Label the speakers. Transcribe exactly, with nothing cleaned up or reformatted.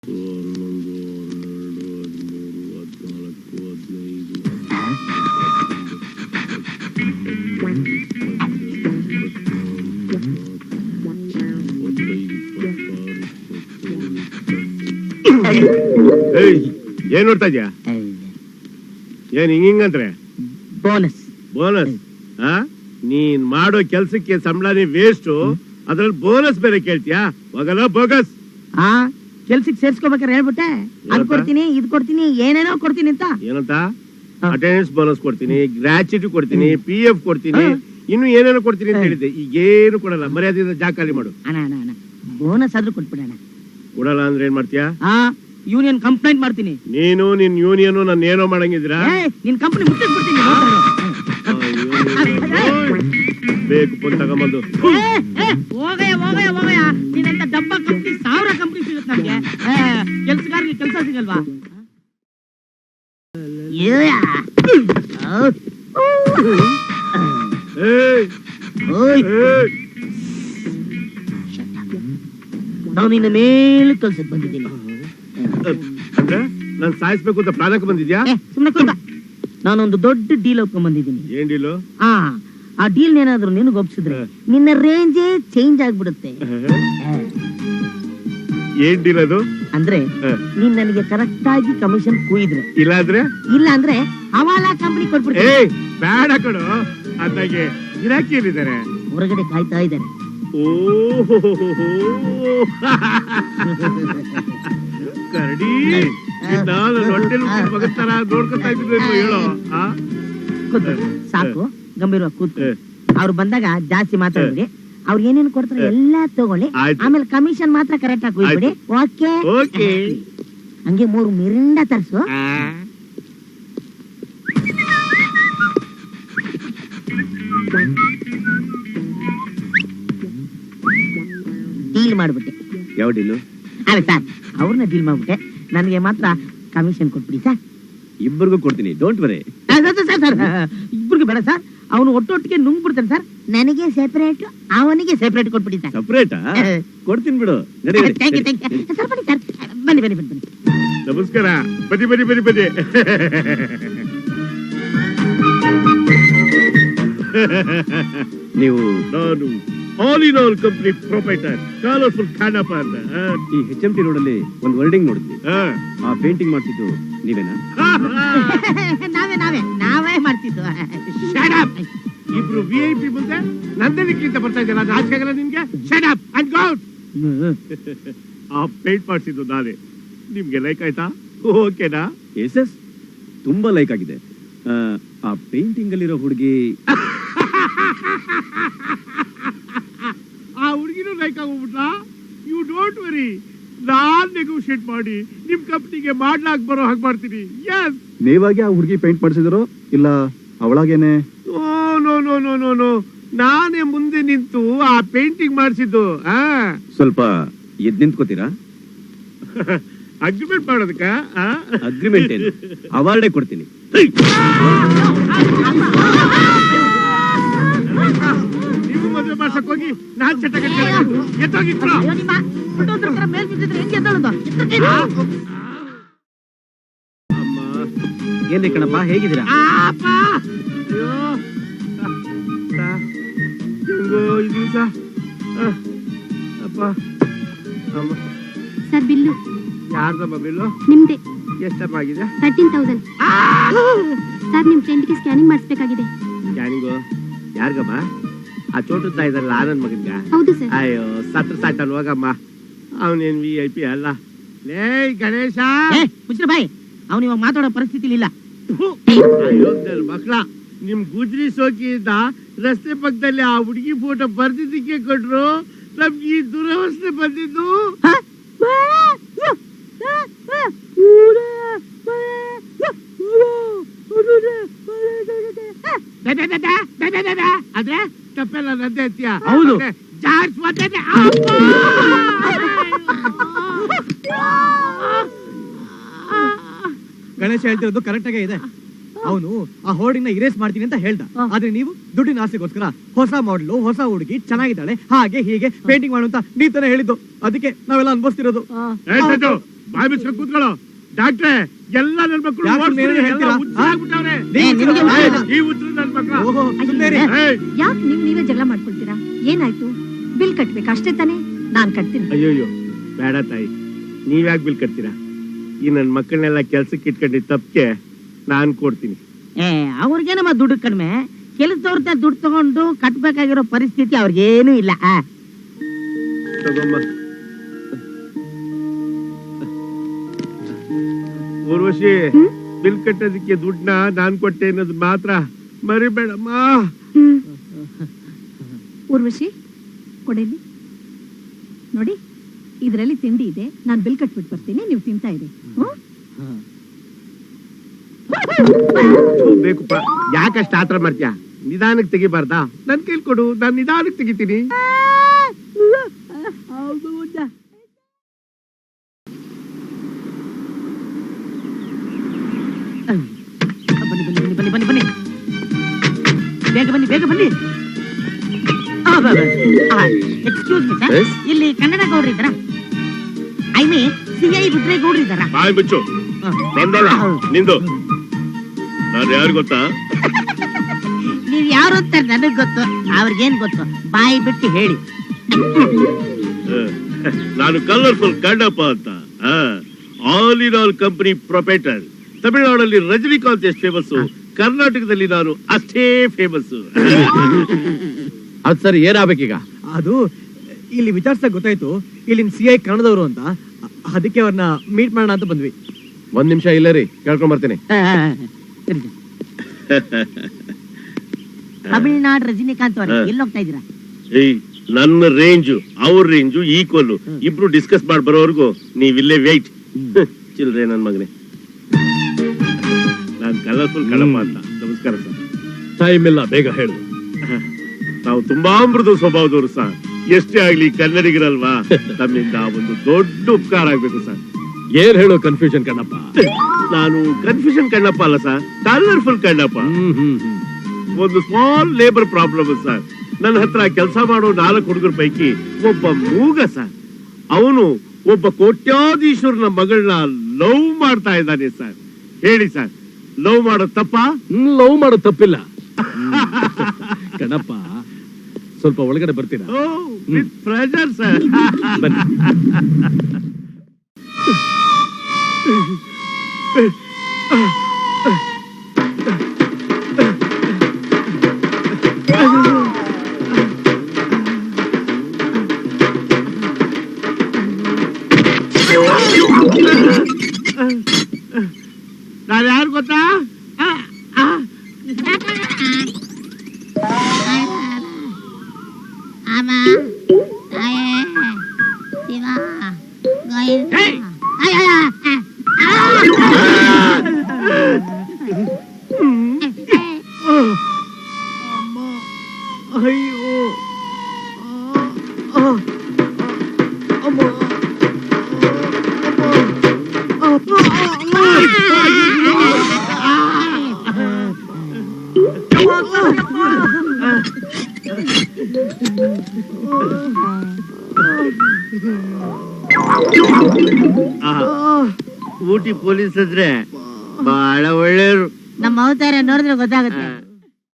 Speaker 1: ಏನ್ ನೋಡ್ತಾ ಇದ್ಯಾ? ಏನ್ ಹಿಂಗಂದ್ರೆ
Speaker 2: ಬೋನಸ್
Speaker 1: ಬೋನಸ್? ಆ ನೀನ್ ಮಾಡೋ ಕೆಲ್ಸಕ್ಕೆ ಸಂಬಳನೇ ವೇಸ್ಟ್, ಅದ್ರಲ್ಲಿ ಬೋನಸ್ ಬೇರೆ ಕೇಳ್ತೀಯಾ? ಹೋಗಲ್ಲ ಬೋಗಸ್.
Speaker 2: ಆ ಕೆಲ್ಸಕ್ಕೆ ಸೇರ್ಸ್ಕೋಬೇಕಾರೆ ಹೇಳ್ಬಿಟ್ಟೆ, ಅದ್ ಕೊಡ್ತೀನಿ ಇದ್ ಕೊಡ್ತೀನಿ ಏನೇನೋ ಕೊಡ್ತೀನಿ ಅಂತ.
Speaker 1: ಏನಂತ? ಅಟೆಂಡೆನ್ಸ್ ಬೋನಸ್ ಕೊಡ್ತೀನಿ, ಗ್ರಾಚ್ಯುಟಿ ಕೊಡ್ತೀನಿ, ಪಿ ಎಫ್ ಕೊಡ್ತೀನಿ, ಇನ್ನು ಏನೇನೋ ಕೊಡ್ತೀನಿ ಅಂತ ಹೇಳಿದ್ದೆ. ಈಗ ಏನು ಕೊಡಲ್ಲ, ಮರ್ಯಾದೆಯಿಂದ ಜಾಗ ಖಾಲಿ ಮಾಡು.
Speaker 2: ಅಣ್ಣ ಅಣ್ಣ ಅಣ್ಣ ಬೋನಸ್ ಆದ್ರೂ ಕೊಟ್ಬಿಡಣ.
Speaker 1: ಕೊಡಲ್ಲ ಅಂದ್ರೆ ಏನ್ ಮಾಡ್ತೀಯಾ?
Speaker 2: ಆ ಯೂನಿಯನ್ ಕಂಪ್ಲೇಂಟ್ ಮಾಡ್ತೀನಿ.
Speaker 1: ನೀನು ನಿನ್ ಯೂನಿಯನ್ ನನ್ನ ಏನೋ ಮಾಡಂಗಿದ್ದೀರಾ?
Speaker 2: ನಿನ್ ಕಂಪನಿ ಮುಟ್ಟಿಸ್ಬಿಡ್ತೀನಿ.
Speaker 1: ಬೇಕು ಪುನ್ ತಗೊಂಬಂದು
Speaker 2: ಹೋಗಯ್ಯ ಹೋಗಯ್ಯ ಹೋಗಯ್ಯ. ನೀನಂತ ಡಬ್ಬ ಕಂಪ್ನಿ ಸಾವಿರ ಕಂಪ್ನಿ ಸಿಗುತ್ತೆ ನಮ್ಗೆ. ಕೆಲ್ಸಗಾರರಿಗೆ ಕೆಲಸ ಸಿಗಲ್ವಾ? ನಾನು ನಿನ್ನ ಮೇಲೆ ಕೆಲ್ಸಕ್ಕೆ ಬಂದಿದ್ದೀನಿ.
Speaker 1: ಅಂದ್ರೆ ನಾನ್ ಸಾಯಿಸ್ಬೇಕು ಅಂತ ಪ್ಲಾನಕ್ಕೆ ಬಂದಿದ್ಯಾ?
Speaker 2: ಸುಮ್ಮನೆ ಕೂತ. ನಾನೊಂದು ದೊಡ್ಡ ಡೀಲ್ ಒಪ್ಕೊಂಡ್ ಬಂದಿದ್ದೀನಿ.
Speaker 1: ಏನ್ ಡೀಲು?
Speaker 2: ಆ ಆ ಡೀಲ್ ಏನಾದ್ರು ನಿನಗೆ ಒಪ್ಸಿದ್ರೆ ನಿನ್ನ ರೇಂಜೇ ಚೇಂಜ್ ಆಗ್ಬಿಡುತ್ತೆ.
Speaker 1: ಏನ್ ಡೀಲ್ ಅದು?
Speaker 2: ಅಂದ್ರೆ ನೀನ್ ನನಗೆ ಕರೆಕ್ಟ್ ಆಗಿ ಕಮಿಷನ್ ಕೂಯಿದ್ರೆ,
Speaker 1: ಇಲ್ಲ ಅಂದ್ರೆ
Speaker 2: ಇಲ್ಲ ಅಂದ್ರೆ ಹವಾಲಾ ಕಂಪನಿ ಕೊಟ್ಬಿಡ್ತೀನಿ.
Speaker 1: ಏ ಬೇಡ ಕಣೋ, ಅದಾಗೆ ಗಿರಾಕಿ ಏನಿದ್ದಾರೆ
Speaker 2: ಹೊರಗಡೆ ಕಾಯ್ತಾ ಇದ್ದಾರೆ.
Speaker 1: ಓಹೋ ಕರಡಿ, ನಾನು ಹೊಟ್ಟೆಲ್ ಮಗತ್ತರ ನೋಡ್ಕೊತಾ ಇದ್ರು ಹೇಳೋ.
Speaker 2: ಸಾಕು, ಗಂಭೀರವಾಗಿ ಕೂತು. ಅವ್ರು ಬಂದಾಗ ಜಾಸ್ತಿ ಮಾತಾಡಿದ್ರಿ. ಅವ್ರು ಏನೇನು ಕೊಡ್ತಾರೆ ಎಲ್ಲ ತಗೊಳ್ಳಿ, ಆಮೇಲೆ ಕಮಿಷನ್ ಮಾತ್ರ ಕರೆಕ್ಟ್ ಆಗಿ ಹೋಗ್ಬಿಡಿ. ಓಕೆ? ಹಂಗೆ ಮೂರು ಮಿರಿಂಡ ತರಿಸು. ಡೀಲ್ ಮಾಡ್ಬಿಟ್ಟೆ.
Speaker 1: ಯಾವ ಡೀಲು?
Speaker 2: ಅಲ್ಲ ಸರ್, ಅವ್ರನ್ನ ಡೀಲ್ ಮಾಡ್ಬಿಟ್ಟೆ. ನನಗೆ ಮಾತ್ರ ಕಮಿಷನ್ ಕೊಟ್ಬಿಡಿ ಸರ್.
Speaker 3: ಇಬ್ಬರಿಗೂ ಕೊಡ್ತೀನಿ, ಡೋಂಟ್ ವರಿ.
Speaker 2: ಸರ್ ಇಬ್ಬರಿಗೂ ಬೇಡ ಸರ್, ಅವನು ಒಟ್ಟೊಟ್ಟಿಗೆ ನುಂಗ್ಬಿಡ್ತಾನೆ ಸರ್. ನನಗೆ ಸೆಪರೇಟ್, ಅವನಿಗೆ ಸೆಪರೇಟ್ ಕೊಟ್ಬಿಡಿ ಸರ್.
Speaker 3: ಸೆಪರೇಟಾ? ಕೊಡ್ತೀನಿ ಬಿಡು.
Speaker 2: Thank you thank you sir. ಬನ್ನಿ ಸರ್, ಬನ್ನಿ ಬನ್ನಿ ಬನ್ನಿ.
Speaker 1: ನಮಸ್ಕಾರ. ಬನ್ನಿ ಬನ್ನಿ ಬನ್ನಿ ಬನ್ನಿ.
Speaker 3: ನೀವು?
Speaker 1: ನಾನು all in all company proprietor, colourful Khanappa ಅಂತ.
Speaker 3: ಈ ಹೆಚ್ ಎಂ ಟಿ ರೋಡ್ ಅಲ್ಲಿ ಒಂದು ವರ್ಡಿಂಗ್ ನೋಡಿದ್ವಿ. ಆ ಪೇಂಟಿಂಗ್ ಮಾಡ್ತಿದ್ದು ನೀವೇನಾ?
Speaker 2: ನಾವೇ ನಾವೇ ನಾವೇ ಮಾಡ್ತಿದ್ದು.
Speaker 1: ಇಬ್ರು ವಿ ಐ ಪಿ ಮುಂದೆ ನಂದನಿಕ್ಕಿಂತ ಬರ್ತಾ ಇದ್ದಲ್ಲ, ಅದು ಆಚೆ ಆಗಲ್ಲ ನಿಮ್ಗೆ? Shut up and go out. ಆ ಪೇಂಟ್ ಮಾಡ್ಸಿದ್ದು ನಾನೇ. ನಿಮ್ಗೆ ಲೈಕ್ ಆಯ್ತಾ? ಓಕೆನಾ?
Speaker 3: ಎಸ್ ಎಸ್, ತುಂಬಾ ಲೈಕ್ ಆಗಿದೆ. ಆ ಪೇಂಟಿಂಗ್ ಅಲ್ಲಿರೋ ಹುಡುಗಿ,
Speaker 1: ಆ ಹುಡುಗಿನೂ ಲೈಕ್ ಆಗೋಗ್ಬಿಟ್ಲಾ? ಯು ಡೋಂಟ್ ವರಿ, ನಾನ್ ನೆಗೋಷಿಯೇಟ್ ಮಾಡಿ ನಿಮ್ ಕಂಪ್ನಿಗೆ ಮಾಡ್ಲಾಕ್ ಬರೋ ಹಾಗೆ ಮಾಡ್ತೀನಿ. ಎಸ್.
Speaker 4: ನೀವಾಗೆ ಆ ಹುಡುಗಿ ಪೇಂಟ್ ಮಾಡಿಸಿದ್ರು ಇಲ್ಲ ಅವಳಾಗೇನೆ?
Speaker 1: Oh no no no no no, ನಾನೇ ಮುಂದೆ ನಿಂತು ಆ ಪೇಂಟಿಂಗ್ ಮಾಡಿಸಿದ್ದು.
Speaker 3: ಸ್ವಲ್ಪ ಎದ್ ನಿಂತ್ಕೋತೀರಾ?
Speaker 1: ಅಗ್ರಿಮೆಂಟ್ ಮಾಡೋದಕ್ಕ?
Speaker 3: ಅಗ್ರಿಮೆಂಟ್ ಏನು, ಅವಾರ್ಡೇ ಕೊಡ್ತೀನಿ.
Speaker 1: ನೀವು ಮದುವೆ ಮಾಡ್ಸಕ್ ಹೋಗಿ ನಾನ್ ಚಟ ಎತ್ತೋಗಿತ್ತು.
Speaker 3: ಏನ್ರಿ ಕಣಪ್ಪ, ಹೇಗಿದ್ದೀರಾ?
Speaker 5: Sir bill.
Speaker 1: ಯಾರ್ದಮ್ಮ ಬಿಲ್ಲು?
Speaker 5: ನಿಮ್ದೆ.
Speaker 1: ಎಷ್ಟಪ್ಪ ಆಗಿದೆ?
Speaker 5: Thirteen thousand. ಸರ್ ನಿಮ್ ಫ್ರೆಂಡ್ಗೆ ಸ್ಕ್ಯಾನಿಂಗ್ ಮಾಡಿಸ್ಬೇಕಾಗಿದೆ.
Speaker 1: ಸ್ಕ್ಯಾನಿಂಗು? ಯಾರಿಗಮ್ಮ? ಆ ಚೋಟುತ್ತ ಇದಾರಲ್ಲ, ಆನಂದ್ ಮಗನ್ಗ?
Speaker 5: ಹೌದು ಸರ್.
Speaker 1: ಅಯ್ಯೋ ಸತ್ರ ಸಾಯ್ತಾನ ಹೋಗಮ್ಮ, ಅವನೇನ್ ವಿ ಐ ಪಿ ಅಲ್ಲ. ಲೇ ಗಣೇಶ,
Speaker 2: ಮುಚ್ಚಿರ ಬಾಯ್, ಅವನು ಇವಾಗ ಮಾತಾಡೋ ಪರಿಸ್ಥಿತಿ ಇಲ್ಲ.
Speaker 1: ಮಕ್ಳ, ನಿಮ್ ಗುಜ್ರಿ ಸೋಕಿಯಿಂದ ರಸ್ತೆ ಪಕ್ಕದಲ್ಲಿ ಆ ಹುಡುಗಿ ಫೋಟೋ ಬರ್ದಿದ್ದಕ್ಕೆ ಕೊಟ್ರು. ನಮ್ಗೆ ಈ ದುರವಸ್ಥೆ ಬಂದಿದ್ದು. ಆದ್ರೆ ತಪ್ಪೆಲ್ಲ ನಂದೇ ಅಂತೀಯ?
Speaker 2: ಹೌದು.
Speaker 6: ಗಣೇಶ ಹೇಳ್ತಿರೋದು ಕರೆಕ್ಟ್ ಆಗೇ ಇದೆ. ಅವನು ಆ ಹೋರ್ಡಿಂಗ್ ನ ಇರೇಸ್ ಮಾಡ್ತೀನಿ ಅಂತ ಹೇಳ್ದ. ಆದ್ರೆ ನೀವು ದುಡ್ಡಿನ ಆಸೆಗೋಸ್ಕರ ಹೊಸ ಮಾಡಲು, ಹೊಸ ಹುಡುಗಿ ಚೆನ್ನಾಗಿದ್ದಾಳೆ, ಹಾಗೆ ಹೀಗೆ ಪೇಂಟಿಂಗ್ ಮಾಡು ಅಂತ ನೀವ್ ತಾನೇ ಹೇಳಿದ್ದು. ಅದಕ್ಕೆ ನಾವೆಲ್ಲ ಅನ್ಭವಿಸ್ತಿರೋದು.
Speaker 1: ಬಾಯ್ ಬಿಚ್ಕೊಂಡು ಕೂತ್ಕೊಳ್ಳೋ. ಡಾಕ್ಟ್ರೆ, ಎಲ್ಲ ನನ್ ಮಕ್ಕಳು
Speaker 6: ಯಾಕೆ
Speaker 1: ಓಡ್ಸಿ,
Speaker 6: ಮೇಲೆ
Speaker 1: ಎಲ್ಲ
Speaker 6: ಹೇಳ್ತೀರಾ?
Speaker 1: ಹುಚ್ಚಾಗ್ಬಿಟ್ಟವ್ರೆ.
Speaker 2: ಏ, ನಿಮ್ಗೆ
Speaker 1: ಏಯ್, ಈ ಹುಚ್ಚರು ನನ್ ಮಕ್ಳು.
Speaker 6: ಓಹೋ, ಸುಮ್ನೆ ಇರಿ.
Speaker 1: ಏಯ್,
Speaker 5: ಯಾಕೆ ನೀವ್ ನೀವೇ ಜಗಳ ಮಾಡ್ಕೊಳ್ತೀರಾ? ಏನಾಯ್ತು? ಬಿಲ್ ಕಟ್ಬೇಕು ಅಷ್ಟೇ ತಾನೇ? ನಾನ್ ಕಟ್ತೀನಿ.
Speaker 1: ಅಯ್ಯೋಯ್ಯೋ ಬೇಡ ತಾಯಿ, ನೀವ್ಯಾಕೆ ಬಿಲ್ ಕಟ್ತೀರಾ? ಈ ನನ್ ಮಕ್ಕಳನ್ನೆಲ್ಲ ಕೆಲ್ಸಕ್ಕೆ ಇಟ್ಕೊಂಡಿದ್ ತಪ್ಪಿಗೆ ನಾನ್ ಕೊಡ್ತೀನಿ.
Speaker 2: ಏ ಅವ್ರಿಗೇನಮ್ಮ ದುಡ್ಡು ಕಡಿಮೆ, ಕೆಲಸದವ್ರ ದುಡ್ಡು ತಗೊಂಡು ಕಟ್ಬೇಕಾಗಿರೋ ಪರಿಸ್ಥಿತಿ ಅವ್ರಿಗೇನು ಇಲ್ಲ. ಆ.
Speaker 1: ತಗೊಮ್ಮ. ಊರ್ವಶಿ, ಬಿಲ್ ಕಟ್ಟೋದಕ್ಕೆ ದುಡ್ಡನ್ನ ನಾನ್ ಕೊಟ್ಟೆ ಅನ್ನೋದು ಮಾತ್ರ ಮರಿಬೇಡಮ್ಮ.
Speaker 5: ಹ್ಮ್. ಊರ್ವಶಿ ಕೊಡೇಲಿ ನೋಡಿ, ಇದ್ರಲ್ಲಿ ತಿಂಡಿ ಇದೆ. ನಾನ್ ಬಿಲ್ ಕಟ್ಬಿಟ್ಟು ಬರ್ತೀನಿ, ನೀವು ತಿಂತಾ ಇರಿ. ಹ್ಮ್?
Speaker 1: ಬೇಕುಪ್ಪ, ಯಾಕಷ್ಟ ಆತರ ಮಾಡ್ತೀಯ? ನಿಧಾನಕ್ಕೆ ತೆಗಿಬಾರ್ದಾ? ನನ್ ಕೈಲಿ ಕೊಡು, ನಾನ್ ನಿಧಾನಕ್ಕೆ ತೆಗಿತೀನಿ.
Speaker 2: ಬನ್ನಿ ಬನ್ನಿ ಬನ್ನಿ ಬನ್ನಿ ಬನ್ನಿ ಬೇಗ ಬನ್ನಿ ಬೇಗ ಬನ್ನಿ. ಎಕ್ಸ್ಕ್ಯೂಸ್ ಮಿ ಸರ್, ಇಲ್ಲಿ ಕನ್ನಡ ಗೌಡ್ರು ಇದ್ದಾರಾ? ಐ ಮೀನ್ ಸಿ ಐ ರುದ್ರೇಗೌಡ್ರು ಇದ್ದಾರಾ?
Speaker 1: ಬಾಯ್ ಬಿಚ್ಚು, ಬಂದಲ್ಲ ನಿಂದು. ನಾನು ಯಾರು ಗೊತ್ತಾ?
Speaker 2: ನೀವ್ ಯಾರು ಅಂತ ನನಗ್ ಗೊತ್ತು, ಅವ್ರಿಗೇನ್ ಗೊತ್ತು? ಬಾಯಿ ಬಿಟ್ಟು ಹೇಳಿ.
Speaker 1: ನಾನು ಕಲರ್ಫುಲ್ ಕಣ್ಣಪ್ಪ ಅಂತ, all in all company proprietor. ತಮಿಳುನಾಡಲ್ಲಿ ರಜನಿಕಾಂತ್ ಎಷ್ಟು ಫೇಮಸ್, ಕರ್ನಾಟಕದಲ್ಲಿ ನಾನು ಅಷ್ಟೇ ಫೇಮಸ್.
Speaker 3: ಅದ್ ಸರಿ, ಏನಾಗ್ಬೇಕೀಗ?
Speaker 6: ಅದು ಇಲ್ಲಿ ವಿಚಾರಿಸಿದಾಗ ಗೊತ್ತಾಯ್ತು ಇಲ್ಲಿನ ಸಿ ಐ ಕನ್ನಡದವರು ಅಂತ. ಅದಕ್ಕೆ ಅವ್ರನ್ನ ಮೀಟ್ ಮಾಡೋಣ ಅಂತ ಬಂದ್ವಿ.
Speaker 3: ಒಂದ್ ನಿಮಿಷ ಇಲ್ಲ ರೀ, ಕೇಳ್ಕೊಂಡ್ ಬರ್ತೀನಿ.
Speaker 2: ತಮಿಳ್ನಾಡು ರಜನಿಕಾಂತ್ ಅವ್ರ ಎಲ್ಲಿ ಹೋಗ್ತಾ ಇದೀರಾ?
Speaker 1: ಏಯ್, ನನ್ನ ರೇಂಜು ಅವ್ರ ರೇಂಜು ಈಕ್ವಲ್. ಇಬ್ರು ಡಿಸ್ಕಸ್ ಮಾಡಿ ಬರೋವರೆಗೂ ನೀವಿಲ್ಲೇ ವೇಟ್. ಚಿಲ್ರೆ ನನ್ ಮಗನೇ. ನಾನ್ ಕಲರ್ಫುಲ್ ಕಳಪ್ಪ ಅಂತ. ನಮಸ್ಕಾರ ಸರ್.
Speaker 3: ಟೈಮ್ ಇಲ್ಲ, ಬೇಗ ಹೇಳು.
Speaker 1: ನಾವು ತುಂಬಾ ಮೃದು ಸ್ವಭಾವದವರು ಸರ್. ಎಷ್ಟೇ ಆಗ್ಲಿ ಕನ್ನಡಿಗರಲ್ವಾ, ತಮ್ಮಿಂದ ಒಂದು ದೊಡ್ಡ ಉಪಕಾರ ಆಗ್ಬೇಕು ಸರ್.
Speaker 3: ಏನ್ ಹೇಳು ಕನ್ಫ್ಯೂಷನ್ ಕಣ್ಣಪ್ಪ?
Speaker 1: ನಾನು ಕನ್ಫ್ಯೂಷನ್ ಕಣ್ಣಪ್ಪ ಅಲ್ಲ ಸರ್, ಕಲರ್ಫುಲ್ ಕಣ್ಣಪ್ಪ.
Speaker 3: ಹ್ಮ್ ಹ್ಮ್ ಹ್ಮ್.
Speaker 1: ಒಂದು ಸ್ಮಾಲ್ ಲೇಬರ್ ಪ್ರಾಬ್ಲಮ್ ಸರ್. ನನ್ನ ಹತ್ರ ಕೆಲಸ ಮಾಡೋ ನಾಲ್ಕು ಹುಡುಗರ ಪೈಕಿ ಒಬ್ಬ ಮೂಗ ಸರ್. ಅವನು ಒಬ್ಬ ಕೋಟ್ಯಾಧೀಶ್ವರನ ಮಗಳನ್ನ ಲವ್ ಮಾಡ್ತಾ ಇದ್ದಾನೆ ಸರ್. ಹೇಳಿ ಸರ್, ಲವ್ ಮಾಡೋದು ತಪ್ಪಾ?
Speaker 3: ಲವ್ ಮಾಡೋದು ತಪ್ಪಿಲ್ಲ ಕಣಪ್ಪ. ಸ್ವಲ್ಪ ಒಳಗಡೆ ಬರ್ತೀರಾ?
Speaker 1: With pressure sir.
Speaker 3: ಬನ್ನಿ.
Speaker 1: ನಾನು ಯಾರು ಗೊತ್ತಾ?
Speaker 6: ಅಯ್ಯೋ, ಅಮ್ಮ,
Speaker 1: ಊಟಿ ಪೊಲೀಸ್ ಅಂದ್ರೆ ಬಹಳ ಒಳ್ಳೆಯವರು.
Speaker 2: ನಮ್ಮ ಅವತಾರ ನೋಡಿದ್ರೆ ಗೊತ್ತಾಗುತ್ತೆ.